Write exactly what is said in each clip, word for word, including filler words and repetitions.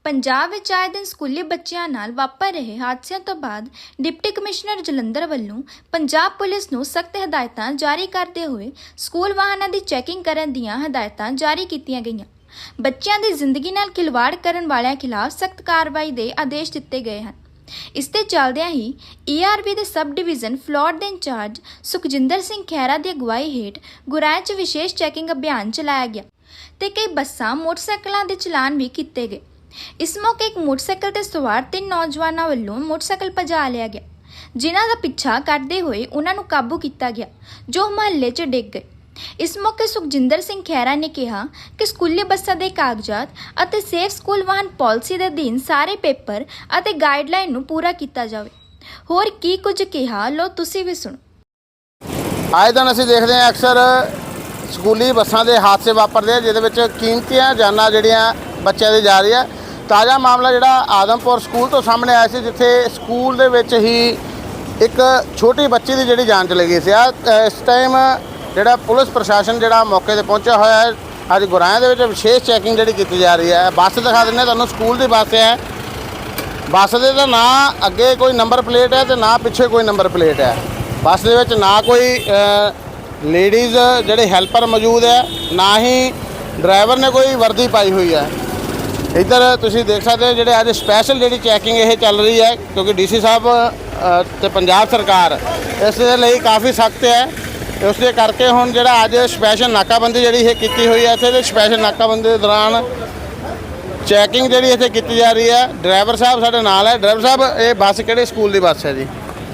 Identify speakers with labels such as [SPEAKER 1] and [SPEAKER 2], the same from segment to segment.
[SPEAKER 1] ਪੰਜਾਬ ਵਿੱਚ ਆਏ ਦਿਨ ਸਕੂਲੀ ਬੱਚਿਆਂ ਨਾਲ ਵਾਪਰ ਰਹੇ ਹਾਦਸਿਆਂ ਤੋਂ ਬਾਅਦ ਡਿਪਟੀ ਕਮਿਸ਼ਨਰ ਜਲੰਧਰ ਵੱਲੋਂ ਪੰਜਾਬ ਪੁਲਿਸ ਨੂੰ ਸਖਤ ਹਦਾਇਤਾਂ ਜਾਰੀ ਕਰਦੇ ਹੋਏ ਸਕੂਲ ਵਾਹਨਾਂ ਦੀ ਚੈਕਿੰਗ ਕਰਨ ਦੀਆਂ ਹਦਾਇਤਾਂ ਜਾਰੀ ਕੀਤੀਆਂ ਗਈਆਂ। ਬੱਚਿਆਂ ਦੀ ਜ਼ਿੰਦਗੀ ਨਾਲ ਖਿਲਵਾੜ ਕਰਨ ਵਾਲਿਆਂ ਖਿਲਾਫ ਸਖਤ ਕਾਰਵਾਈ ਦੇ ਆਦੇਸ਼ ਦਿੱਤੇ ਗਏ ਹਨ। ਇਸ ਤੇ ਚੱਲਦਿਆਂ ਹੀ ਈ ਆਰ ਬੀ ਦੇ ਸਬ ਡਿਵੀਜ਼ਨ ਫਲੋਰ ਦੇ ਇੰਚਾਰਜ ਸੁਖਜਿੰਦਰ ਸਿੰਘ ਖਹਿਰਾ ਦੀ ਅਗਵਾਈ ਹੇਠ ਗੁਰਾਇਆ 'ਚ ਵਿਸ਼ੇਸ਼ ਚੈਕਿੰਗ ਅਭਿਆਨ ਚਲਾਇਆ ਗਿਆ ਤੇ ਕਈ ਬੱਸਾਂ ਮੋਟਰਸਾਈਕਲਾਂ ਦੇ ਚਲਾਨ ਵੀ ਕੀਤੇ ਗਏ। इस मौके एक मोटरसाइकिल ते सवार तीन नौजवानों वालों मोटरसाइकिल भजा लिया गया, जिन्हां दा पिछा करते हुए उन्हां नूं काबू किया गया, जो महल्ले च डिग गए। इस मौके सुखजिंदर सिंह खैरा ने कहा कि स्कूली बसां दे कागजात अते सेफ स्कूल वाहन पॉलिसी दे अधीन सारे पेपर अते गाइडलाइन नूं पूरा किया जावे। होर की कुछ कहा, लो तुसीं भी सुणो।
[SPEAKER 2] आए दिन असीं देखते हैं अक्सर स्कूली बसां दे हादसे वापरदे आ, जिहदे विच कीमती जानां जिहड़ियां बच्चों की जा रही है। ताज़ा मामला जिहड़ा आदमपुर स्कूल तो सामने आया सी, जिथे स्कूल दे विच ही एक छोटी बच्ची की जिहड़ी जान चली गई सी। इस टाइम जिहड़ा पुलिस प्रशासन जिहड़ा मौके ते पहुंचा होया है। अज गुराया दे विच विशेष चैकिंग जिहड़ी कीती जा रही है। बस दिखा दिंदे तुहानूं, स्कूल की बस है। बस दे तां ना अगे कोई नंबर प्लेट है तो ना पिछे कोई नंबर प्लेट है। बस दे विच ना कोई लेडीज़ जिहड़े हैल्पर मौजूद है, ना ही ड्राइवर ने कोई वर्दी पाई हुई है। इधर तुसीं देख सकते हो जिहड़े अज स्पैशल जिहड़ी चैकिंग ये चल रही है, क्योंकि डी सी साहब ते पंजाब सरकार इस दे लई काफ़ी सख्त है। उस दे करके हुण जिहड़ा अज स्पैशल नाकाबंदी जिहड़ी ये कीती हुई है। इत्थे स्पैशल नाकाबंदी दे दौरान चैकिंग जिहड़ी इत्थे कीती जा रही है। ड्राइवर साहब साडे नाल है। ड्राइवर साहब, ये बस किहड़े स्कूल की बस है जी?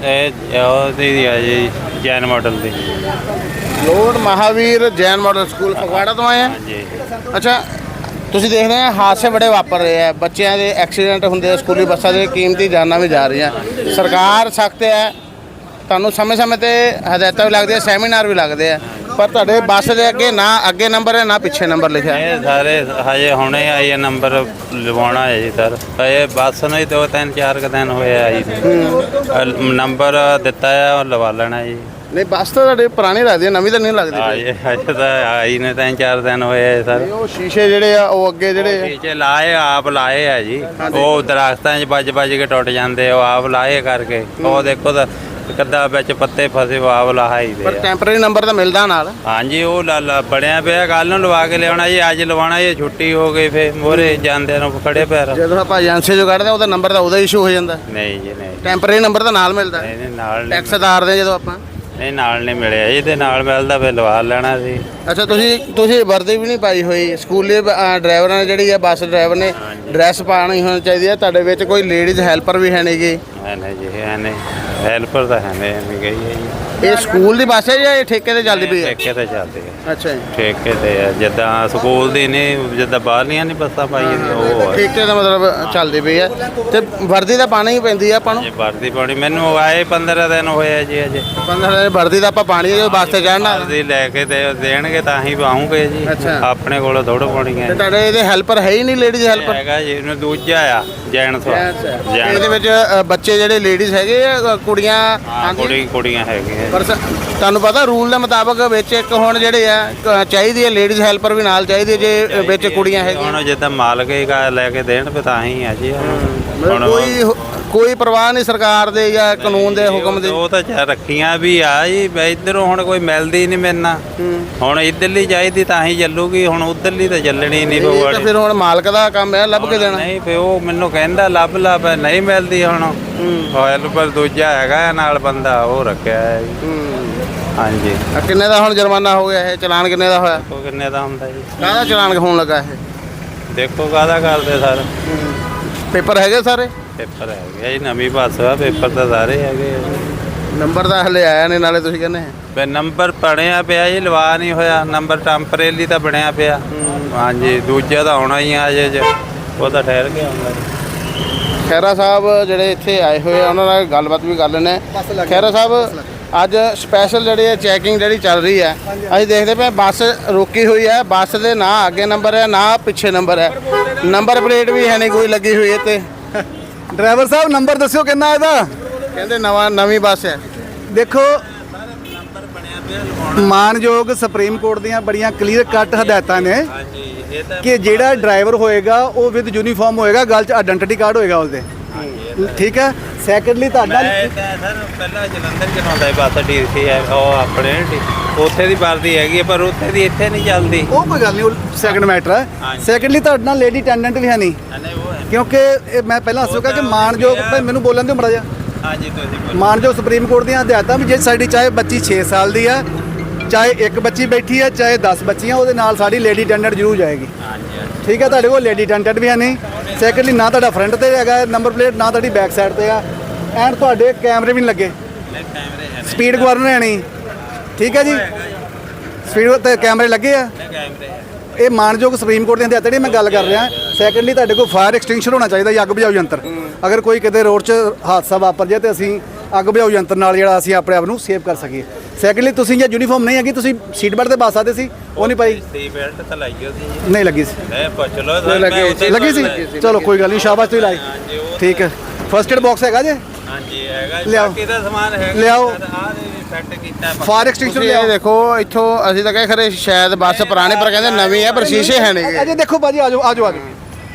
[SPEAKER 3] जी जैन मॉडल दी
[SPEAKER 2] लोड महावीर जैन मॉडल स्कूल फगवाड़ा तो आए हैं। अच्छा, ਤੁਸੀਂ ਦੇਖ ਰਹੇ ਹੋ ਹਾਦਸੇ ਬੜੇ ਵਾਪਰ ਰਹੇ ਆ, ਬੱਚਿਆਂ ਦੇ ਐਕਸੀਡੈਂਟ ਹੁੰਦੇ ਆ, ਸਕੂਲੀ ਬੱਸਾਂ ਦੇ ਕੀਮਤੀ ਜਾਨਾਂ ਵੀ ਜਾ ਰਹੀਆਂ। ਸਰਕਾਰ ਸਖਤ ਹੈ, ਤੁਹਾਨੂੰ ਸਮੇਂ ਸਮੇਂ ਤੇ ਹਦਾਇਤਾਂ ਵੀ ਲੱਗਦੀਆਂ, ਸੈਮੀਨਾਰ ਵੀ ਲੱਗਦੇ ਆ, ਪਰ ਤੁਹਾਡੇ ਬੱਸ ਦੇ ਅੱਗੇ ਨਾ ਅੱਗੇ ਨੰਬਰ ਹੈ ਨਾ ਪਿੱਛੇ ਨੰਬਰ ਲਿਖਿਆ।
[SPEAKER 3] ਇਹ ਸਾਰੇ ਹਜੇ ਹੁਣੇ ਆਈ ਇਹ ਨੰਬਰ ਲਵਾਉਣਾ ਹੈ ਜੀ ਸਰ। ਇਹ ਬੱਸ ਨੂੰ ਹੀ ਦੋ ਤਿੰਨ ਚਾਰ ਕੁ ਦਿਨ ਹੋਏ ਆ ਜੀ, ਨੰਬਰ ਦਿੱਤਾ ਹੈ ਉਹ ਲਵਾ ਲੈਣਾ ਜੀ।
[SPEAKER 2] ਨਹੀਂ, ਬੱਸ ਤਾਂ ਤੁਹਾਡੇ ਪੁਰਾਣੀ ਲੱਗਦੀ ਹੈ, ਨਵੀਂ ਤਾਂ ਨਹੀਂ ਲੱਗਦੀ।
[SPEAKER 3] ਹਜੇ ਹਜੇ ਤਾਂ ਆਈ ਨੇ ਤਿੰਨ ਚਾਰ ਦਿਨ ਹੋਏ ਆ ਸਰ।
[SPEAKER 2] ਉਹ ਸ਼ੀਸ਼ੇ ਜਿਹੜੇ ਆ ਉਹ ਅੱਗੇ ਜਿਹੜੇ
[SPEAKER 3] ਸ਼ੀਸ਼ੇ ਲਾਏ ਆਪ ਲਾਏ ਆ ਜੀ, ਉਹ ਦਰਖਤਾਂ 'ਚ ਵੱਜ ਵੱਜ ਕੇ ਟੁੱਟ ਜਾਂਦੇ, ਉਹ ਆਪ ਲਾਏ ਕਰਕੇ। ਉਹ ਦੇਖੋ ਤਾਂ ਕੱਦਾ ਵਿੱਚ ਪੱਤੇ ਫਸੇ, ਉਹ ਆਪ ਲਾਈ ਦੇ।
[SPEAKER 2] ਪਰ ਟੈਂਪਰੇਰੀ ਨੰਬਰ ਤਾਂ ਮਿਲਦਾ ਨਾਲ।
[SPEAKER 3] ਹਾਂਜੀ, ਉਹ ਲਾ ਬਣਿਆ ਪਿਆ, ਕੱਲ ਨੂੰ ਲਵਾ ਕੇ ਲਿਆਉਣਾ ਜੀ, ਅੱਜ ਲਵਾਉਣਾ ਜੀ। ਛੁੱਟੀ ਹੋ ਗਈ, ਫਿਰ ਮੋਰੇ ਜਾਂਦੇ ਨੂੰ ਖੜੇ ਪੈਰ।
[SPEAKER 2] ਜਦੋਂ ਆਪਾਂ ਏਜੰਸੀ ਚੋਂ ਕੱਢਦੇ ਉਹਦਾ ਨੰਬਰ ਤਾਂ ਉਹਦਾ ਇਸ਼ੂ ਹੋ ਜਾਂਦਾ।
[SPEAKER 3] ਨਹੀਂ ਜੀ ਨਹੀਂ,
[SPEAKER 2] ਟੈਂਪਰੇਰੀ ਨੰਬਰ ਤਾਂ ਨਾਲ ਮਿਲਦਾ।
[SPEAKER 3] ਨਹੀਂ ਨਾਲ
[SPEAKER 2] ਟੈਕਸ ਅਦਾਰਦੇ ਜਦੋਂ ਆਪਾਂ।
[SPEAKER 3] ਨਹੀਂ ਨਾਲ ਨਹੀਂ ਮਿਲਿਆ ਜੀ, ਤੇ ਨਾਲ ਮਿਲਦਾ ਫਿਰ ਲਵਾ ਲੈਣਾ ਸੀ।
[SPEAKER 2] ਅੱਛਾ, ਤੁਸੀਂ ਤੁਸੀਂ ਵਰਦੀ ਵੀ ਨਹੀਂ ਪਾਈ ਹੋਈ। ਸਕੂਲੀ ਡਰਾਈਵਰਾਂ ਨੇ ਜਿਹੜੀ ਆ, ਬੱਸ ਡਰਾਈਵਰ ਨੇ ਡਰੈਸ ਪਾਉਣੀ ਹੋਣੀ ਚਾਹੀਦੀ ਹੈ। ਤੁਹਾਡੇ ਵਿੱਚ ਕੋਈ ਲੇਡੀਜ਼ ਹੈਲਪਰ ਵੀ ਹੈ ਨਹੀਂ ਗੀ?
[SPEAKER 3] ਹੈ ਨਹੀਂ ਜੀ, ਹੈ ਨਹੀਂ ਹੈਲਪਰ ਤਾਂ ਹੈ ਨਹੀਂ ਗਈ ਹੈ ਜੀ।
[SPEAKER 2] ਇਹ ਸਕੂਲ ਦੀ ਬੱਸ ਹੈ ਜਾਂ ਇਹ ਠੇਕੇ ਤੇ ਚੱਲਦੀ ਪਈ ਹੈ?
[SPEAKER 3] ਠੇਕੇ ਤੇ ਚੱਲਦੀ ਹੈ।
[SPEAKER 2] ਅੱਛਾ ਜੀ,
[SPEAKER 3] ਠੇਕੇ ਤੇ ਆ, ਜਿੱਦਾਂ ਸਕੂਲ ਦੀ ਨਹੀਂ, ਜਿੱਦਾਂ ਬਾਹਰਲੀਆਂ ਨਹੀਂ ਬੱਸਾਂ ਪਾਈਆਂ ਉਹ ਆ।
[SPEAKER 2] ਠੇਕੇ ਦਾ ਮਤਲਬ ਚੱਲਦੀ ਪਈ ਹੈ। ਤੇ ਵਰਦੀ ਤਾਂ ਪਾਣੀ ਹੀ ਪੈਂਦੀ ਆ ਆਪਾਂ ਨੂੰ।
[SPEAKER 3] ਵਰਦੀ ਪਾਣੀ ਮੈਨੂੰ ਆਏ ਪੰਦਰਾਂ ਦਿਨ ਹੋਏ ਆ ਜੀ ਅਜੇ।
[SPEAKER 2] ਪੰਦਰਾਂ ਦਿਨ ਵਰਦੀ ਤਾਂ ਆਪਾਂ ਪਾਣੀ ਜਦੋਂ ਬੱਸ ਤੇ ਚੜ੍ਹਨਾ।
[SPEAKER 3] ਵਰਦੀ ਲੈ ਕੇ ਤੇ ਦੇਣਗੇ ਤਾਂ ਹੀ ਪਾਉਂਗੇ ਜੀ, ਆਪਣੇ ਕੋਲੋਂ ਥੋੜ੍ਹਾ ਪਾਉਣੀ ਹੈ।
[SPEAKER 2] ਤੇ ਤੁਹਾਡੇ ਇਹਦੇ ਹੈਲਪਰ ਹੈ ਹੀ ਨਹੀਂ, ਲੇਡੀਜ਼ ਹੈਲਪਰ
[SPEAKER 3] ਹੈਗਾ ਜੀ। ਇਹਨੂੰ ਦੂਜਾ ਆ ਜੈਨ ਸਵਾ।
[SPEAKER 2] ਇਹਦੇ ਵਿੱਚ ਬੱਚੇ ਜਿਹੜੇ ਲੇਡੀਜ਼ ਹੈਗੇ ਆ, ਕੁੜੀਆਂ
[SPEAKER 3] ਕੁੜੀ ਕੁੜੀਆਂ ਹੈਗੀਆਂ।
[SPEAKER 2] ਪਰ ਤੁਹਾਨੂੰ ਪਤਾ ਰੂਲ ਦੇ ਮੁਤਾਬਕ ਵਿੱਚ ਇੱਕ ਹੁਣ ਜਿਹੜੇ ਆ ਚਾਹੀਦੀ ਹੈ ਲੇਡੀਜ਼ ਹੈਲਪਰ ਵੀ ਨਾਲ ਚਾਹੀਦੀ ਹੈ, ਜੇ ਵਿੱਚ ਕੁੜੀਆਂ ਹੈਗੀਆਂ।
[SPEAKER 3] ਹੁਣ ਜਿੱਦਾਂ ਮਾਲਕ ਹੀ ਲੈ ਕੇ ਦੇਣ ਫਿਰ ਤਾਂ ਹੀ ਆ ਜੀ। ਹੁਣ
[SPEAKER 2] ਕੋਈ ਕੋਈ ਪਰਵਾਹ ਨਹੀਂ ਸਰਕਾਰ ਦੇ ਜਾਂ ਕਾਨੂੰਨ ਦੇ ਹੁਕਮ ਦੇ।
[SPEAKER 3] ਉਹ ਤਾਂ ਚਾਹ ਰੱਖੀਆਂ ਵੀ ਆ ਜੀ, ਇੱਧਰੋਂ ਹੁਣ ਕੋਈ ਮਿਲਦੀ ਨਹੀਂ ਮੇਰੇ ਨਾਲ। ਹੁਣ ਇੱਧਰਲੀ ਚਾਹੀਦੀ ਤਾਂ ਹੀ ਚੱਲੂਗੀ, ਹੁਣ ਉੱਧਰਲੀ ਤਾਂ ਚੱਲਣੀ ਨਹੀਂ।
[SPEAKER 2] ਤਾਂ ਫਿਰ ਹੁਣ ਮਾਲਕ ਦਾ ਕੰਮ ਹੈ ਲੱਭ ਕੇ ਦੇਣਾ।
[SPEAKER 3] ਨਹੀਂ ਫਿਰ ਉਹ ਮੈਨੂੰ ਕਹਿੰਦਾ ਲੱਭ ਲੱਭ, ਨਹੀਂ ਮਿਲਦੀ। ਹੁਣ ਹੈਲਪਰ ਦੂਜਾ ਹੈਗਾ ਨਾਲ ਬੰਦਾ, ਉਹ ਰੱਖਿਆ ਹੈ ਜੀ। ਹਾਂਜੀ।
[SPEAKER 2] ਕਿੰਨੇ ਦਾ ਹੁਣ ਜੁਰਮਾਨਾ ਹੋ ਗਿਆ? ਇਹ ਚਲਾਨ ਕਿੰਨੇ ਦਾ ਹੋਇਆ?
[SPEAKER 3] ਉਹ ਕਿੰਨੇ ਦਾ ਹੁੰਦਾ ਜੀ?
[SPEAKER 2] ਕਾਹਦਾ ਚਲਾਨ ਹੋਣ ਲੱਗਾ ਇਹ?
[SPEAKER 3] ਦੇਖੋ ਕਾਹਦਾ ਕਰਦੇ ਸਰ।
[SPEAKER 2] ਪੇਪਰ ਹੈਗੇ ਸਾਰੇ?
[SPEAKER 3] ਪੇਪਰ ਹੈਗੇ ਜੀ, ਨਵੀਂ ਬੱਸ ਆ, ਪੇਪਰ ਤਾਂ ਸਾਰੇ ਹੈਗੇ।
[SPEAKER 2] ਨੰਬਰ ਤਾਂ ਹਲੇ ਆਇਆ ਨਹੀਂ, ਨਾਲੇ ਤੁਸੀਂ ਕਹਿੰਦੇ
[SPEAKER 3] ਫਿਰ ਨੰਬਰ ਬਣਿਆ ਪਿਆ ਜੀ, ਲਵਾ ਨਹੀਂ ਹੋਇਆ। ਨੰਬਰ ਟੈਂਪਰੇਰੀ ਤਾਂ ਬਣਿਆ ਪਿਆ। ਹਾਂਜੀ, ਦੂਜਾ ਤਾਂ ਆਉਣਾ ਹੀ ਆ ਅਜੇ, ਉਹ ਤਾਂ ਠਹਿਰ ਕੇ ਆਉਂਦਾ ਜੀ।
[SPEAKER 2] ਖਹਿਰਾ ਸਾਹਿਬ ਜਿਹੜੇ ਇੱਥੇ ਆਏ ਹੋਏ ਆ, ਉਹਨਾਂ ਨਾਲ ਗੱਲਬਾਤ ਵੀ ਕਰ ਲੈਂਦੇ। ਖਹਿਰਾ ਸਾਹਿਬ, ਅੱਜ ਸਪੈਸ਼ਲ ਜਿਹੜੀ ਹੈ ਚੈਕਿੰਗ ਜਿਹੜੀ ਚੱਲ ਰਹੀ ਹੈ, ਅਸੀਂ ਦੇਖਦੇ ਪਏ ਬੱਸ ਰੋਕੀ ਹੋਈ ਹੈ। ਬੱਸ ਦੇ ਨਾ ਅੱਗੇ ਨੰਬਰ ਹੈ ਨਾ ਪਿੱਛੇ ਨੰਬਰ ਹੈ, ਨੰਬਰ ਪਲੇਟ ਵੀ ਹੈ ਨਹੀਂ ਕੋਈ ਲੱਗੀ ਹੋਈ ਹੈ। ਤੇ
[SPEAKER 4] ਡਰਾਈਵਰ ਸਾਹਿਬ ਨੰਬਰ ਦੱਸਿਓ ਕਿੰਨਾ ਇਹਦਾ?
[SPEAKER 2] ਕਹਿੰਦੇ ਨਵਾਂ ਨਵੀਂ ਬੱਸ ਹੈ।
[SPEAKER 4] ਦੇਖੋ
[SPEAKER 3] ਨੰਬਰ ਬਣਿਆ
[SPEAKER 4] ਮਾਨਯੋਗ ਸੁਪਰੀਮ ਕੋਰਟ ਦੀਆਂ ਬੜੀਆਂ ਕਲੀਅਰ ਕੱਟ ਹਦਾਇਤਾਂ ਨੇ
[SPEAKER 3] ਹਾਂਜੀ ਇਹ ਤਾਂ
[SPEAKER 4] ਕਿ ਜਿਹੜਾ ਡਰਾਈਵਰ ਹੋਏਗਾ ਉਹ ਵਿਦ ਯੂਨੀਫਾਰਮ ਹੋਏਗਾ, ਗੱਲ 'ਚ ਆਇਡੈਂਟੀ ਕਾਰਡ ਹੋਏਗਾ ਉਸਦੇ। ਠੀਕ ਹੈ। ਸੈਕੰਡਲੀ ਤੁਹਾਡਾ
[SPEAKER 3] ਮੈਂ ਤਾਂ ਸਰ ਪਹਿਲਾਂ ਜਲੰਧਰ ਚਲਾਉਂਦਾ ਸੀ ਬੱਸ ਡੀਸੀ ਹੈ ਉਹ ਆਪਣੇ ਡੀ- ਉੱਥੇ ਦੀ ਵਰਦੀ ਹੈਗੀ ਹੈ, ਪਰ ਉੱਥੇ ਦੀ ਇੱਥੇ ਨਹੀਂ ਚੱਲਦੀ।
[SPEAKER 4] ਉਹ ਕੋਈ ਗੱਲ ਨਹੀਂ, ਸੈਕੰਡ ਮੈਟਰ ਹੈ।
[SPEAKER 3] ਹਾਂਜੀ।
[SPEAKER 4] ਸੈਕੰਡਲੀ ਤੁਹਾਡੇ ਨਾਲ ਲੇਡੀ ਅਟੈਂਡੈਂਟ ਵੀ ਹੈ ਨਹੀਂ,
[SPEAKER 3] ਨਹੀਂ ਉਹ ਹੈ
[SPEAKER 4] ਕਿਉਂਕਿ ਇਹ ਮੈਂ ਪਹਿਲਾਂ ਦੱਸਿਆ ਕਿ
[SPEAKER 3] ਤਾਂ
[SPEAKER 4] ਮਾਨਯੋਗ
[SPEAKER 3] ਹੁੰਦੀ ਆ।
[SPEAKER 4] ਭਾਈ ਮੈਨੂੰ ਬੋਲਣ ਦਿਓ ਮੜਾ ਜਾ
[SPEAKER 3] ਹਾਂਜੀ ਤੁਸੀਂ ਬੋਲੋ।
[SPEAKER 4] ਮਾਨਯੋਗ ਸੁਪਰੀਮ ਕੋਰਟ ਦੀਆਂ ਹਦਾਇਤਾਂ ਵੀ ਜੇ ਸਾਡੀ ਚਾਹੇ ਬੱਚੀ ਛੇ ਸਾਲ ਦੀ ਹੈ, ਚਾਹੇ ਇੱਕ ਬੱਚੀ ਬੈਠੀ ਹੈ, ਚਾਹੇ ਦਸ ਬੱਚੀਆਂ, ਉਹਦੇ ਨਾਲ ਸਾਡੀ ਲੇਡੀ ਅਟੈਂਡੈਂਟ ਜ਼ਰੂਰ ਜਾਏਗੀ।
[SPEAKER 3] ਹਾਂਜੀ ਹਾਂਜੀ
[SPEAKER 4] ਠੀਕ ਹੈ। ਤੁਹਾਡੇ ਕੋਲ ਲੇਡੀ ਅਟੈਂਡੈਂਟ ਵੀ ਹੈ ਨਹੀਂ। ਸੈਕੰਡਲੀ ਨਾ ਤੁਹਾਡਾ ਫਰੰਟ ਤੇ ਹੈਗਾ ਨੰਬਰ ਪਲੇਟ, ਨਾ ਤੁਹਾਡੀ ਬੈਕ ਸਾਈਡ ਤੇ ਆ, ਐਂਡ ਤੁਹਾਡੇ ਕੈਮਰੇ ਵੀ ਨਹੀਂ ਲੱਗੇ।
[SPEAKER 3] ਨਹੀਂ ਕੈਮਰੇ ਹੈ ਨਹੀਂ।
[SPEAKER 4] ਸਪੀਡ ਗਵਰਨਰ ਹੈ ਨਹੀਂ। ਠੀਕ ਹੈ ਜੀ, ਸਪੀਡ ਤੇ ਕੈਮਰੇ ਲੱਗੇ ਆ।
[SPEAKER 3] ਨਹੀਂ ਕੈਮਰੇ ਹੈ।
[SPEAKER 4] ਇਹ ਮਾਨਯੋਗ ਸੁਪਰੀਮ ਕੋਰਟ ਦੀਆਂ ਹਦਾਇਤਾਂ ਜਿਹੜੀ ਮੈਂ ਗੱਲ ਕਰ ਰਿਹਾ। ਸੈਕੰਡਲੀ ਤੁਹਾਡੇ ਕੋਲ ਫਾਇਰ ਐਕਸਟਿੰਗੁਇਸ਼ਰ ਹੋਣਾ ਚਾਹੀਦਾ ਜਾਂ ਅੱਗ ਬੁਝਾਊ ਯੰਤਰ। ਅਗਰ ਕੋਈ ਕਿਤੇ ਰੋਡ 'ਚ ਹਾਦਸਾ ਵਾਪਰ ਜਾਏ ਤੇ ਅਸੀਂ ਅੱਗ ਬੁਝਾਊ ਯੰਤਰ ਨਾਲ ਜਿਹੜਾ ਅਸੀਂ ਆਪਣੇ ਆਪ ਨੂੰ ਸੇਵ ਕਰ ਸਕੀਏ। ਸੈਕੰਡਲੀ ਤੁਸੀਂ ਜੇ ਯੂਨੀਫਾਰਮ ਨਹੀਂ ਹੈਗੀ, ਤੁਸੀਂ ਸੀਟ ਬੈਲਟ ਤੇ ਪਾ ਸਕਦੇ ਸੀ, ਉਹ ਨਹੀਂ ਪਾਈ।
[SPEAKER 3] ਸੀ ਬੈਲਟ ਤਾਂ ਲਾਈ ਹੋਈ
[SPEAKER 4] ਨਹੀਂ ਲੱਗੀ ਸੀ।
[SPEAKER 3] ਨਹੀਂ ਪੁੱਛ ਲਓ ਸਰ ਮੈਂ ਉੱਥੇ
[SPEAKER 4] ਲੱਗੀ ਸੀ। ਚਲੋ ਕੋਈ ਗੱਲ ਨਹੀਂ, ਸ਼ਾਬਾਸ਼ ਤੁਸੀਂ ਲਾਈ।
[SPEAKER 3] ਹਾਂਜੀ ਉਹ
[SPEAKER 4] ਠੀਕ ਹੈ। ਫਸਟ ਏਡ ਬਾਕਸ ਹੈਗਾ ਜੇ,
[SPEAKER 3] ਹਾਂਜੀ ਹੈਗਾ ਜੀ,
[SPEAKER 4] ਲਿਆਓ।
[SPEAKER 3] ਬਾਕੀ ਦਾ ਸਮਾਨ ਹੈਗਾ
[SPEAKER 4] ਲਿਆਓ।
[SPEAKER 3] ਆਹ ਸੈੱਟ ਕੀਤਾ ਹੈ।
[SPEAKER 4] ਫਾਇਰ ਐਕਸਟਿੰਗੁਇਸ਼ਰ
[SPEAKER 2] ਤੁਸੀਂ ਇਹ ਦੇਖੋ ਇੱਥੋਂ ਅਸੀਂ ਤਾਂ ਕਹੇ ਖਰੇ ਸ਼ਾਇਦ ਬੱਸ ਪੁਰਾਣੇ ਪਰ ਕਹਿੰਦੇ ਨਵੀਂ ਹੈ, ਪਰ ਸ਼ੀਸ਼ੇ ਹੈ ਨਹੀਂਗੇ।
[SPEAKER 4] ਅਜੇ ਦੇਖੋ ਭਾਜੀ, ਆਜੋ ਆਜੋ ਆਜੋ।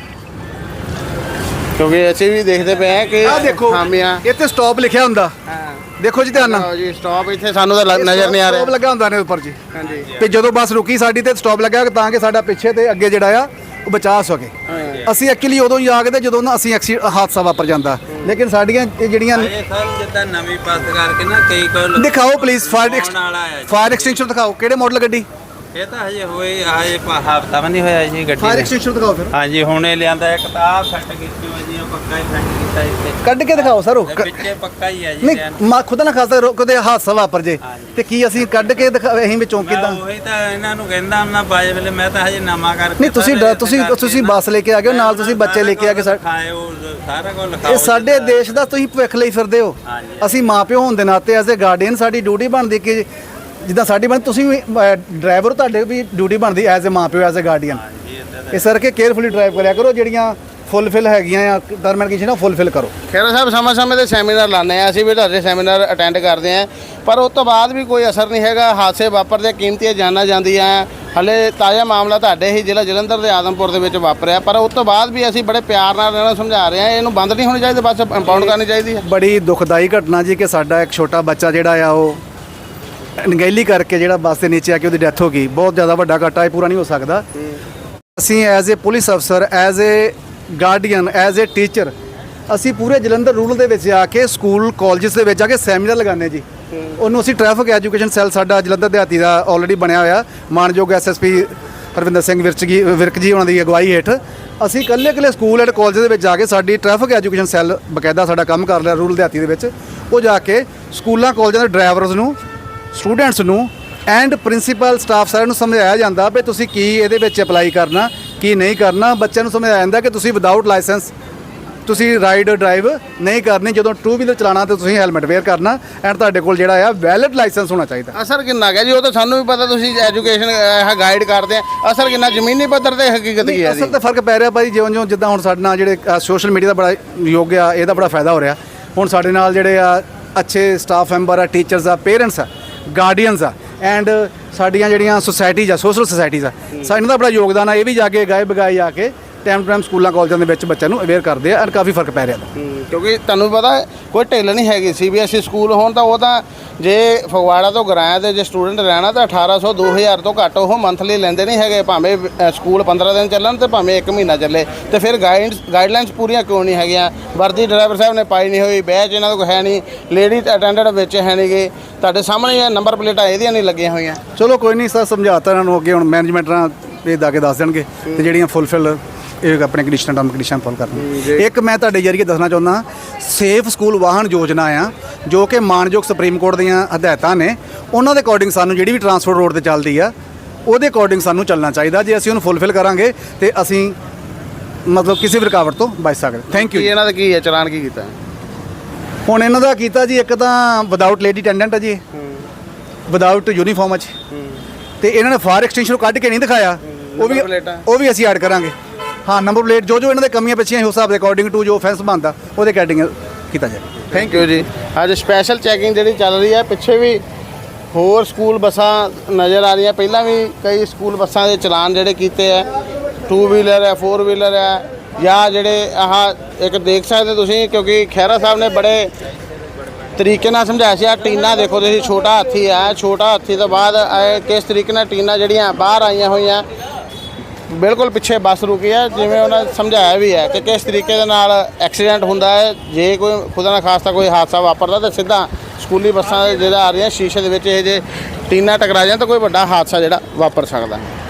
[SPEAKER 2] ਕਿਉਂਕਿ ਅਸੀਂ ਵੀ ਦੇਖਦੇ ਪਏ ਹਾਂ ਕਿ
[SPEAKER 4] ਆਹ ਦੇਖੋ
[SPEAKER 2] ਖਾਮੀਆਂ।
[SPEAKER 4] ਇੱਥੇ ਸਟਾਪ ਲਿਖਿਆ ਹੁੰਦਾ। ਦੇਖੋ ਜੀ ਧਿਆਨ ਨਾਲ,
[SPEAKER 2] ਲਓ ਜੀ ਸਟਾਪ ਇੱਥੇ ਸਾਨੂੰ ਤਾਂ ਲ- ਨਜ਼ਰ ਨਹੀਂ ਆ
[SPEAKER 4] ਸਟਾਪ
[SPEAKER 2] ਰਿਹਾ।
[SPEAKER 4] ਲੱਗਾ ਹੁੰਦਾ ਨੇ ਉੱਪਰ ਜੀ।
[SPEAKER 2] ਹਾਂਜੀ
[SPEAKER 4] ਤੇ ਜਦੋਂ ਬੱਸ ਰੁਕੀ ਸਾਡੀ ਤੇ ਸਟਾਪ ਲੱਗਾ ਤਾਂ ਕਿ ਸਾਡਾ ਪਿੱਛੇ ਤੇ ਅੱਗੇ ਜਿਹੜਾ ਆ ਉਹ ਬਚਾ ਸਕੇ। ਅਸੀਂ ਐਕਚੁਅਲੀ ਉਦੋਂ ਹੀ ਜਾਗਦੇ ਜਦੋਂ ਨਾ ਅਸੀਂ ਐਕਸੀ ਹਾਦਸਾ ਵਾਪਰ ਜਾਂਦਾ, ਲੇਕਿਨ ਸਾਡੀਆਂ ਇਹ ਜਿਹੜੀਆਂ
[SPEAKER 3] ਇਹ ਸਰ ਜਿੱਦਾਂ ਨਵੀਂ ਬੱਸ ਕਰਕੇ ਨਾ ਕਈ ਕੋਲ
[SPEAKER 4] ਦਿਖਾਓ ਪਲੀਜ਼ ਫਾਇਰ
[SPEAKER 3] ਵਾਲਾ ਹੈ ਜੀ।
[SPEAKER 4] ਫਾਇਰ ਐਕਸਟਿੰਗੁਇਸ਼ਰ ਦਿਖਾਓ। ਕਿਹੜੇ ਮਾਡਲ ਗੱਡੀ?
[SPEAKER 3] ਇਹ ਤਾਂ ਹਜੇ ਹੋਏ ਹਜੇ ਹਫਤਾ ਵੀ ਨਹੀਂ ਹੋਇਆ ਜੀ ਗੱਡੀ
[SPEAKER 4] ਫਾਇਰ
[SPEAKER 3] ਨੂੰ।
[SPEAKER 4] ਐਕਸਟਿੰਗੁਇਸ਼ਰ ਦਿਖਾਓ ਫਿਰ,
[SPEAKER 3] ਹਾਂਜੀ ਹੁਣ ਇਹ ਲਿਆਂਦਾ ਇੱਕ ਤਾਂ ਆਹ ਸੈੱਟ ਕੀਤੀ ਹੋਈ ਜੀ, ਉਹ ਪੱਕਾ ਹੀ ਸੈੱਟ ਕੀਤਾ ਇੱਥੇ।
[SPEAKER 4] ਕੱਢ ਕੇ ਦਿਖਾਓ ਸਰ। ਉਹ
[SPEAKER 3] ਇਹ
[SPEAKER 4] ਕ-
[SPEAKER 3] ਵਿੱਚੇ ਪੱਕਾ ਹੀ ਹੈ ਜੀ
[SPEAKER 4] ਨਹੀਂ
[SPEAKER 3] ਲਿਆਂਦਾ।
[SPEAKER 4] ਮਾ ਖੁਦਾ ਨਾ ਖਾਸਾ ਕਦੇ ਹਾਦਸਾ ਵਾਪਰ ਜੇ
[SPEAKER 3] ਹਾਂਜੀ।
[SPEAKER 4] ਤੇ ਕੀ ਅਸੀਂ ਕੱਢ ਕੇ ਦਿਖਾ ਅਸੀਂ ਵਿੱਚੋਂ
[SPEAKER 3] ਮੈਂ
[SPEAKER 4] ਕਿਦਾਂ?
[SPEAKER 3] ਉਹੀ ਤਾਂ ਇਹਨਾਂ ਨੂੰ ਕਹਿੰਦਾ ਹੁੰਦਾ ਬਾਜੇ ਵੇਲੇ, ਮੈਂ ਤਾਂ ਹਜੇ ਨਵਾਂ ਕਰਕੇ
[SPEAKER 4] ਨਹੀਂ ਤੁਸੀਂ
[SPEAKER 3] ਸਾਰਾ
[SPEAKER 4] ਡ- ਤੁਸੀਂ
[SPEAKER 3] ਕਰਕੇ
[SPEAKER 4] ਤੁਸੀਂ
[SPEAKER 3] ਨਾ-
[SPEAKER 4] ਬੱਸ ਲੈ ਕੇ ਆ ਗਏ ਹੋ, ਨਾਲ ਤੁਸੀਂ ਬੱਚੇ ਲੈ ਕੇ ਆ ਕੇ ਸਾ-
[SPEAKER 3] ਲਿਖਾਏ ਉਹ ਸਾਰਾ ਕੁਝ ਲਿਖਾਓ
[SPEAKER 4] ਇਹ ਸਾਡੇ
[SPEAKER 3] ਜਿੱਦਾਂ-
[SPEAKER 4] ਦੇਸ਼ ਦਾ ਤੁਸੀਂ ਭਵਿੱਖ ਲਈ ਫਿਰਦੇ ਹੋ।
[SPEAKER 3] ਹਾਂਜੀ।
[SPEAKER 4] ਅਸੀਂ ਮਾਪਿਓ ਹੋਣ ਦੇ ਨਾਤੇ ਐਜ਼ ਅ ਗਾਰਡੀਅਨ ਸਾਡੀ ਡਿਊਟੀ ਬਣਦੀ ਕਿ ਜਿੱਦਾਂ ਸਾਡੀ ਬਣ ਤੁਸੀਂ ਵੀ ਡਰਾਈਵਰ, ਤੁਹਾਡੇ ਵੀ ਡਿਊਟੀ ਬਣਦੀ ਐਜ਼ ਅ ਮਾਪਿਓ ਐਜ਼ ਅ ਗਾਰਡੀਅਨ।
[SPEAKER 3] ਹਾਂਜੀ ਏਦਾਂ ਦਾ-
[SPEAKER 4] ਇਸ ਕਰਕੇ ਕੇਅਰਫੁਲੀ ਡਰਾਈਵ ਕਰਿਆ ਕਰੋ, ਜਿਹੜੀਆਂ ਫੁੱਲਫਿਲ ਹੈਗੀਆਂ ਆ ਟਰਮ ਐਂਡ ਕੰਡੀਸ਼ਨ ਫੁੱਲਫਿਲ ਕਰੋ।
[SPEAKER 2] ਖੇਰਾ ਸਾਹਿਬ ਸਮੇਂ ਸਮੇਂ ਤੇ ਸੈਮੀਨਾਰ ਲਾਉਂਦੇ ਆ, ਅਸੀਂ ਵੀ ਤੁਹਾਡੇ ਸੈਮੀਨਾਰ ਅਟੈਂਡ ਕਰਦੇ ਆ, ਪਰ ਉਸ ਤੋਂ ਬਾਅਦ ਵੀ ਕੋਈ ਅਸਰ ਨਹੀਂ ਹੈਗਾ। ਹਾਦਸੇ ਵਾਪਰਦੇ, ਕੀਮਤੀਆਂ ਜਾਨਾਂ ਜਾਂਦੀਆਂ। ਹਲੇ ਤਾਜ਼ਾ ਮਾਮਲਾ ਤੁਹਾਡੇ ਹੀ ਜ਼ਿਲ੍ਹਾ ਜਲੰਧਰ ਦੇ ਆਦਮਪੁਰ ਦੇ ਵਿੱਚ ਵਾਪਰਿਆ, ਪਰ ਉਸ ਤੋਂ ਬਾਅਦ ਵੀ ਅਸੀਂ ਬੜੇ ਪਿਆਰ ਨਾਲ ਇਹਨਾਂ ਨੂੰ ਸਮਝਾ ਰਹੇ ਹਾਂ ਇਹਨੂੰ ਬੰਦ ਨਹੀਂ ਹੋਣੀ ਚਾਹੀਦੀ, ਬਸ ਇੰਪਾਊਂਡ ਕਰਨੀ ਚਾਹੀਦੀ ਹੈ।
[SPEAKER 4] ਬੜੀ ਦੁਖਦਾਈ ਘਟਨਾ ਜੀ ਕਿ ਸਾਡਾ ਇੱਕ ਛੋਟਾ ਬੱਚਾ ਜਿਹੜਾ ਆ ਉਹ ਅਣਗਹਿਲੀ ਕਰਕੇ ਜਿਹੜਾ ਬੱਸ ਦੇ ਨੀਚੇ ਆ ਕੇ ਉਹਦੀ ਡੈਥ ਹੋ ਗਈ। ਬਹੁਤ ਜ਼ਿਆਦਾ ਵੱਡਾ ਘਾਟਾ, ਇਹ ਪੂਰਾ ਨਹੀਂ ਹੋ ਸਕਦਾ। ਅਸੀਂ ਐਜ਼ ਅ ਪੁਲਿਸ ਅਫਸਰ, as a guardian, as a teacher, ਅਸੀਂ ਪੂਰੇ ਜਲੰਧਰ ਰੂਰਲ ਦੇ ਵਿੱਚ ਆ ਕੇ ਸਕੂਲ ਕਾਲਜਸ ਦੇ ਵਿੱਚ ਆ ਕੇ ਸੈਮੀਨਾਰ ਲਗਾਉਂਦੇ ਜੀ। ਉਹਨੂੰ ਅਸੀਂ ਟ੍ਰੈਫਿਕ ਐਜੂਕੇਸ਼ਨ ਸੈੱਲ ਸਾਡਾ ਜਲੰਧਰ ਦਿਹਾਤੀ ਦਾ ਆਲਰੇਡੀ ਬਣਿਆ ਹੋਇਆ, ਮਾਨਯੋਗ ਐਸਐਸਪੀ ਹਰਵਿੰਦਰ ਸਿੰਘ ਵਿਰਕ ਜੀ ਵਿਰਕ ਜੀ ਉਹਨਾਂ ਦੀ ਅਗਵਾਈ ਹੇਠ ਅਸੀਂ ਇਕੱਲੇ ਇਕੱਲੇ ਸਕੂਲ ਐਂਡ ਕਾਲਜ ਦੇ ਵਿੱਚ ਜਾ ਕੇ ਸਾਡੀ ਟ੍ਰੈਫਿਕ ਐਜੂਕੇਸ਼ਨ ਸੈੱਲ ਬਕਾਇਦਾ ਸਾਡਾ ਕੰਮ ਕਰ ਰਿਹਾ ਰੂਰਲ ਦਿਹਾਤੀ ਦੇ ਵਿੱਚ। ਉਹ ਜਾ ਕੇ ਸਕੂਲਾਂ ਕਾਲਜਾਂ ਦੇ ਡਰਾਈਵਰਸ ਨੂੰ, ਸਟੂਡੈਂਟਸ ਨੂੰ ਐਂਡ ਪ੍ਰਿੰਸੀਪਲ ਸਟਾਫ ਸਾਰਿਆਂ ਨੂੰ ਸਮਝਾਇਆ ਜਾਂਦਾ ਵੀ ਤੁਸੀਂ ਕੀ ਇਹਦੇ ਵਿੱਚ ਅਪਲਾਈ ਕਰਨਾ, ਕੀ ਨਹੀਂ ਕਰਨਾ। ਬੱਚਿਆਂ ਨੂੰ ਸਮਝਾਇਆ ਜਾਂਦਾ ਕਿ ਤੁਸੀਂ ਵਿਦਆਊਟ ਲਾਇਸੈਂਸ ਤੁਸੀਂ ਰਾਈਡ ਡਰਾਈਵ ਨਹੀਂ ਕਰਨੀ। ਜਦੋਂ ਟੂ ਵੀਲਰ ਚਲਾਉਣਾ ਤੇ ਤੁਸੀਂ ਹੈਲਮਟ ਵੇਅਰ ਕਰਨਾ ਐਂਡ ਤੁਹਾਡੇ ਕੋਲ ਜਿਹੜਾ ਆ ਵੈਲਿਡ ਲਾਇਸੈਂਸ ਹੋਣਾ ਚਾਹੀਦਾ।
[SPEAKER 2] ਅਸਰ ਕਿੰਨਾ ਗਿਆ ਜੀ, ਉਹ ਤਾਂ ਸਾਨੂੰ ਵੀ ਪਤਾ, ਤੁਸੀਂ ਐਜੂਕੇਸ਼ਨ ਇਹ ਗਾਈਡ ਕਰਦੇ ਆ। ਅਸਰ ਕਿੰਨਾ ਜ਼ਮੀਨੀ ਪੱਧਰ ਤੇ ਹਕੀਕਤ ਕੀ ਹੈ ਜੀ?
[SPEAKER 4] ਅਸਲ ਤੇ ਫਰਕ ਪੈ ਰਿਹਾ ਭਾਈ, ਜਿਉਂ ਜਿਉਂ ਜਿੱਦਾਂ ਹੁਣ ਸਾਡੇ ਨਾਲ ਜਿਹੜੇ ਸੋਸ਼ਲ ਮੀਡੀਆ ਦਾ ਬੜਾ ਯੋਗ ਆ, ਇਹਦਾ ਬੜਾ ਫਾਇਦਾ ਹੋ ਰਿਹਾ। ਹੁਣ ਸਾਡੇ ਨਾਲ ਜਿਹੜੇ ਆ ਅੱਛੇ ਸਟਾਫ ਮੈਂਬਰ ਆ, ਟੀਚਰਸ ਆ, ਪੇਰੈਂਟਸ ਆ, ਗਾਰਡੀਅਨਸ ਆ ਐਂਡ ਸਾਡੀਆਂ ਜਿਹੜੀਆਂ ਸੁਸਾਇਟੀਜ਼ ਆ, ਸੋਸ਼ਲ ਸੁਸਾਇਟੀਜ਼ ਆ, ਸਾਡਾ ਦਾ ਬੜਾ ਯੋਗਦਾਨ ਆ। ਇਹ ਵੀ ਜਾ ਕੇ ਗਾਏ ਬਗਾਏ ਆ ਕੇ ਟਾਈਮ ਟੂ ਟਾਈਮ ਸਕੂਲਾਂ ਕਾਲਜਾਂ ਦੇ ਵਿੱਚ ਬੱਚਿਆਂ ਨੂੰ ਅਵੇਅਰ ਕਰਦੇ ਆ ਐਂਡ ਕਾਫੀ ਫਰਕ ਪੈ ਰਿਹਾ।
[SPEAKER 2] ਕਿਉਂਕਿ ਤੁਹਾਨੂੰ ਪਤਾ ਕੋਈ ਢਿੱਲ ਨਹੀਂ ਹੈਗੀ। ਸੀਬੀਐਸਈ ਸਕੂਲ ਹੋਣ ਤਾਂ ਉਹ ਤਾਂ ਜੇ ਫਗਵਾੜਾ ਤੋਂ ਗਰਾਇਆ ਤੇ ਜੇ ਸਟੂਡੈਂਟ ਰਹਿਣਾ ਤਾਂ ਅਠਾਰਾਂ ਸੌ ਦੋ ਹਜ਼ਾਰ ਤੋਂ ਘੱਟ ਉਹ ਮੰਥਲੀ ਲੈਂਦੇ ਨਹੀਂ ਹੈਗੇ, ਭਾਵੇਂ ਅ, ਸਕੂਲ ਪੰਦਰਾਂ ਦਿਨ ਚੱਲਣ ਤੇ ਭਾਵੇਂ ਇੱਕ ਮਹੀਨਾ ਚੱਲੇ। ਤੇ ਫਿਰ ਗਾਈਡ ਗਾਈਡਲਾਈਨਸ ਪੂਰੀਆਂ ਕਿਉਂ ਨਹੀਂ ਹੈਗੀਆਂ? ਵਰਦੀ ਡਰਾਈਵਰ ਸਾਹਿਬ ਨੇ ਪਾਈ ਨਹੀਂ ਹੋਈ, ਬੈਚ ਇਹਨਾਂ ਕੋਲ ਹੈ ਨਹੀਂ, ਲੇਡੀ ਅਟੈਂਡੈਂਟ ਵਿੱਚ ਹੈ ਨਹੀਂ ਗੇ, ਤੁਹਾਡੇ ਸਾਹਮਣੇ ਇਹ ਨੰਬਰ ਪਲੇਟਾਂ ਇਹਦੀਆਂ ਨਹੀਂ ਲੱਗੀਆਂ ਹੋਈਆਂ।
[SPEAKER 4] ਚਲੋ ਕੋਈ ਨਹੀਂ ਸਰ, ਸਮਝਾਤਾ ਇਹਨਾਂ ਨੂੰ, ਅੱਗੇ ਹੁਣ ਮੈਨੇਜਮੈਂਟ ਨਾਲ ਇਹ ਦਾ ਕੇ ਦੱਸ ਦੇਣਗੇ ਤੇ ਜਿਹੜੀਆਂ ਫੁੱਲਫਿਲ ਇਹ ਆਪਣੇ ਕੰਡੀਸ਼ਨ ਟਰਮ ਕੰਡੀਸ਼ਨ ਫੋਲ ਕਰਨੀ। ਇੱਕ ਮੈਂ ਤੁਹਾਡੇ ਜਰੀਏ ਦੱਸਣਾ ਚਾਹੁੰਦਾ, ਸੇਫ ਸਕੂਲ ਵਾਹਨ ਯੋਜਨਾ ਆ ਜੋ ਕਿ ਮਾਨਯੋਗ ਸੁਪਰੀਮ ਕੋਰਟ ਦੀਆਂ ਹਦਾਇਤਾਂ ਨੇ, ਉਹਨਾਂ ਦੇ ਅਕੋਰਡਿੰਗ ਸਾਨੂੰ ਜਿਹੜੀ ਵੀ ਟਰਾਂਸਪੋਰਟ ਰੋਡ ਤੇ ਚੱਲਦੀ ਆ ਉਹਦੇ ਅਕੋਰਡਿੰਗ ਸਾਨੂੰ ਚੱਲਣਾ ਚਾਹੀਦਾ। ਜੇ ਅਸੀਂ ਉਹਨੂੰ ਫੁੱਲਫਿਲ ਕਰਾਂਗੇ ਤੇ ਅਸੀਂ ਮਤਲਬ ਕਿਸੇ ਵੀ ਰੁਕਾਵਟ ਤੋਂ ਬਚ ਸਕਦੇ। ਥੈਂਕ
[SPEAKER 2] ਕੀ
[SPEAKER 4] ਯੂ।
[SPEAKER 2] ਇਹਨਾਂ ਦਾ ਕੀ ਹੈ, ਚਲਾਨ ਕੀ ਕੀਤਾ?
[SPEAKER 4] ਹੁਣ ਇਹਨਾਂ ਦਾ ਕੀਤਾ ਜੀ, ਇੱਕ ਤਾਂ ਵਿਦਆਊਟ ਲੇਡੀ ਅਟੈਂਡੈਂਟ ਹੈ ਜੀ, ਵਿਦਆਊਟ ਯੂਨੀਫਾਰਮ ਚ, ਤੇ ਇਹਨਾਂ ਨੇ ਫਾਇਰ ਐਕਸਟਿੰਗੁਇਸ਼ਰ ਕੱਢ ਕੇ ਨਹੀਂ ਦਿਖਾਇਆ, ਉਹ ਵੀ
[SPEAKER 2] ਨੰਬਰ ਪਲੇਟਾਂ?
[SPEAKER 4] ਉਹ ਵੀ ਅਸੀਂ ਐਡ ਕਰਾਂਗੇ। ਹਾਂ, ਨੰਬਰ ਪਲੇਟ ਜੋ ਜੋ ਇਹਨਾਂ ਦੇ ਕਮੀਆਂ ਪਿੱਛੀਆਂ ਉਸ ਹਿਸਾਬ ਦੇ ਅਕੋਰਡਿੰਗ ਟੂ ਜੋ ਫੈਂਸ ਬਣਦਾ ਉਹਦੇ ਅਕੋਰਡਿੰਗ ਕੀਤਾ ਜਾਏ।
[SPEAKER 2] ਥੈਂਕ ਯੂ ਜੀ। ਅੱਜ ਸਪੈਸ਼ਲ ਚੈਕਿੰਗ ਜਿਹੜੀ ਚੱਲ ਰਹੀ ਹੈ, ਪਿੱਛੇ ਵੀ ਹੋਰ ਸਕੂਲ ਬੱਸਾਂ ਨਜ਼ਰ ਆ ਰਹੀਆਂ। ਪਹਿਲਾਂ ਵੀ ਕਈ ਸਕੂਲ ਬੱਸਾਂ ਦੇ ਚਲਾਨ ਜਿਹੜੇ ਕੀਤੇ ਆ, ਟੂ ਵੀਲਰ ਹੈ, ਫੋਰ ਵੀਲਰ ਹੈ, ਜਾਂ ਜਿਹੜੇ ਆਹ ਇੱਕ ਦੇਖ ਸਕਦੇ ਤੁਸੀਂ, ਕਿਉਂਕਿ ਖਹਿਰਾ ਸਾਹਿਬ ਨੇ ਬੜੇ ਤਰੀਕੇ ਨਾਲ ਸਮਝਾਇਆ ਸੀ। ਆ ਟੀਨਾ ਦੇਖੋ ਤੁਸੀਂ, ਛੋਟਾ ਹਾਥੀ ਆ, ਛੋਟਾ ਹਾਥੀ ਤੋਂ ਬਾਅਦ ਇਹ ਕਿਸ ਤਰੀਕੇ ਨਾਲ ਟੀਨਾ ਜਿਹੜੀਆਂ ਬਾਹਰ ਆਈਆਂ ਹੋਈਆਂ, ਬਿਲਕੁਲ ਪਿੱਛੇ ਬੱਸ ਰੁਕੀ ਹੈ। ਜਿਵੇਂ ਉਹਨਾਂ ਸਮਝਾਇਆ ਵੀ ਹੈ ਕਿ ਕਿਸ ਤਰੀਕੇ ਦੇ ਨਾਲ ਐਕਸੀਡੈਂਟ ਹੁੰਦਾ ਹੈ, ਜੇ ਕੋਈ ਖੁਦਾ ਨਾ ਖਾਸਤਾ ਕੋਈ ਹਾਦਸਾ ਵਾਪਰਦਾ ਤਾਂ ਸਿੱਧਾ ਸਕੂਲੀ ਬੱਸਾਂ ਜਿਹੜਾ ਆ ਰਹੀਆਂ ਸ਼ੀਸ਼ੇ ਦੇ ਵਿੱਚ ਇਹ ਜੇ ਟੀਨਾ ਟਕਰਾ ਜਾਣ ਤਾਂ ਕੋਈ ਵੱਡਾ ਹਾਦਸਾ ਜਿਹੜਾ ਵਾਪਰ ਸਕਦਾ।